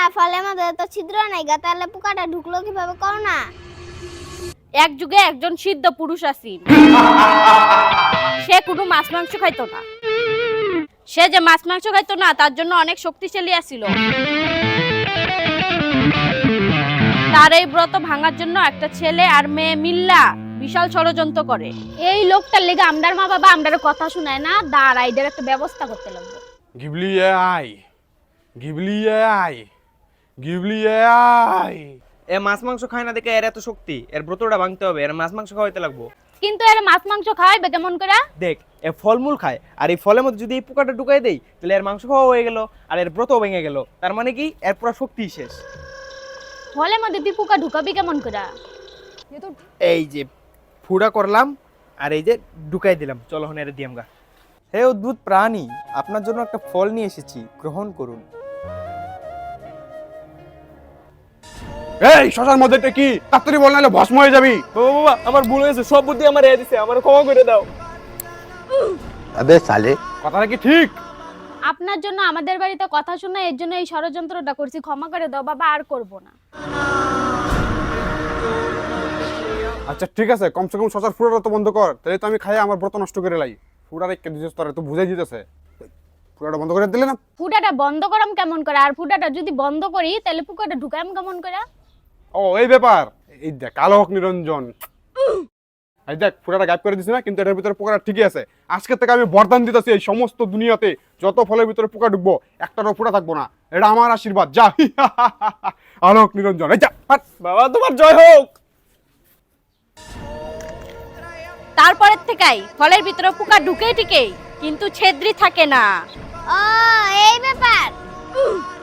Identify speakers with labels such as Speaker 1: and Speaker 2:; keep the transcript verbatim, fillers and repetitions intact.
Speaker 1: ফলের মধ্যে তো ছিদ্র নাই গা, তাহলে পোকাটা ঢুকলো কিভাবে কও না?
Speaker 2: এক যুগে একজন সিদ্ধ পুরুষ আছেন, সে কোনো মাছ মাংস খাইতো না। সে যে মাছ মাংস খাইতো না তার জন্য অনেক শক্তিশালী আছিল। তার এই ব্রত ভাঙার জন্য একটা ছেলে আর মেয়ে মিল্লা বিশাল ষড়যন্ত্র করে।
Speaker 3: এই লোকটার লেগে আমরার মা বাবা আমরার কথা শুনায় না, দাঁড়া এদের একটা ব্যবস্থা করতে লাগবে।
Speaker 4: Ghibli AI Ghibli AI Ghibli AI.
Speaker 5: এ মাছ মাংস খায় না দেখে এর এত শক্তি, এর ব্রতটা ভাঙতে হবে, এর মাছ মাংস খাওয়াইতে লাগবো।
Speaker 3: কিন্তু এর মাছ মাংস খাওয়াইবে কেমন করে?
Speaker 5: দেখ, এ ফলমূল খায়, আর এই ফলের মধ্যে যদি এই পোকাটা ঢুকাই দেই তাহলে এর মাংস খাওয়া হয়ে গেল আর এর ব্রতও ভেঙে গেল। তার মানে কি, এর পুরো শক্তি শেষ।
Speaker 3: ফলের মধ্যে তুই পোকা ঢুকাবি কেমন করে?
Speaker 5: এই যে ফুড়া করলাম আর এই যে ঢুকাই দিলাম, চলো হন এর দিয়াম গা। হে অদ্ভুত প্রাণী, আপনার জন্য একটা ফল নিয়ে এসেছি, গ্রহণ করুন।
Speaker 4: এই শশার মধ্যে এটা কি? তাড়াতাড়ি বল নাহলে ভস্ম হয়ে যাবি।
Speaker 5: বাবা বাবা, আমার ভুল হয়েছে, সব বুদ্ধি আমার এ দিছে, আমার ক্ষমা করে দাও।
Speaker 6: अबे साले
Speaker 4: কথাটা কি ঠিক?
Speaker 3: আপনার জন্য আমাদের বাড়িতে কথা শুনে এর জন্য এই ষড়যন্ত্রটা করছি, ক্ষমা করে দাও বাবা, আর করব না।
Speaker 4: আচ্ছা ঠিক আছে, কমসে কম শশার ফুড়াটা তো বন্ধ কর, তাহলে তো আমি খাই আমার ব্রত নষ্ট করে লাই। ফুড়া রেখে দিছিস তোরা, তো বুঝাই দিতেছে। ফুড়াটা বন্ধ করে দিলে না?
Speaker 3: ফুটাটা বন্ধ করাম কেমন করে? আর ফুটাটা যদি বন্ধ করি তাহলে পোকাটা ঢুকাম কেমন করে?
Speaker 4: ও এই ব্যাপার, এই দেখ আলোক নিরঞ্জন, এই দেখ ফুড়াটা গায়েব করে দিছি না, কিন্তু এটার ভিতরে পোকাটা ঠিকই আছে। আজকে থেকে আমি বরদান দিতেছি, এই সমস্ত দুনিয়াতে যত ফলের ভিতরে পোকা ঢুকবো একটারও ফুটা থাকবো না। এটা আমার আশীর্বাদ। যা আলোক নিরঞ্জন, এই যা হাট।
Speaker 5: বাবা তোমার জয় হোক।
Speaker 2: তারপরের থেকেই ফলের ভিতরে পোকা ঢুকেই ঠিকই, কিন্তু ছেদ্রি থাকে না।
Speaker 1: ও এই ব্যাপার।